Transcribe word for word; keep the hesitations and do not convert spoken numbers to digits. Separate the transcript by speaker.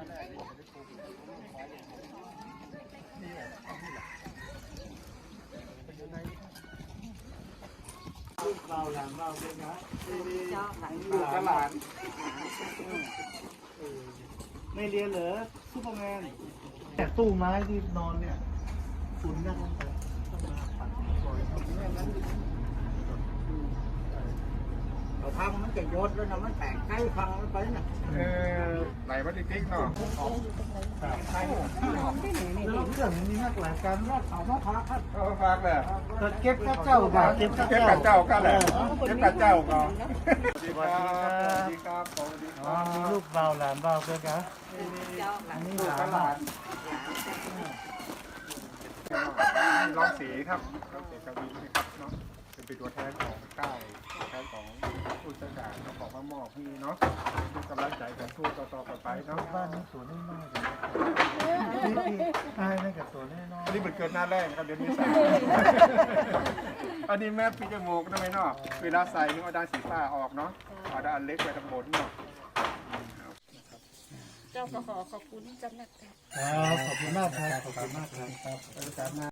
Speaker 1: ลูกเราหลานเราเป็นนะลูกกระหลานไม่เรียนเหรอซูเปอร์แมนแต่ตู้ไม้ที่นอนเนี่ยฝุ่นนั่งลงไปต้องมาปัดปล่อยเราทำมันจะยศแล้วนะมันแตกใกล้ฟังมันไปนะเออไหลมาติ๊กๆเนาะใช่หอมที่ไหนนี่เรื่องนี้นักหลายการว่าเขามาพักครับเขามาพักแหละเก็บกับเจ้าบ่าเก็บกับเจ้าก็แหละเก็บกับเจ้าก็สวัสดีครับสวัสดีครับมีลูกเบาหลานเบาด้วยกันอันนี้หลานหลานร้องสีครับร้องสีกวีนะครับเนาะเป็นตัวแทนของใต้ตัวแทนของผู้จัดการของพระหมอกนี่เนาะเป็นกำลังใจกันสู้ต่อๆไปเนาะบ้านนี้สวนน้อยๆเลยใช่นั่นกับสวนน้อยๆอันนี้เป็นเกิดหน้าแรกครับเดี๋ยวนี้ใส่อันนี้แม่ปีจมูกทำไมเนาะเวลาใส่นี่เอาด้านสีฟ้าออกเนาะเอาด้านเล็กไปทางบนเนาะ
Speaker 2: เจ้าก็ขอขอบคุณจำนักครับ
Speaker 1: ขอบคุณมากครับขอบคุณมากครับ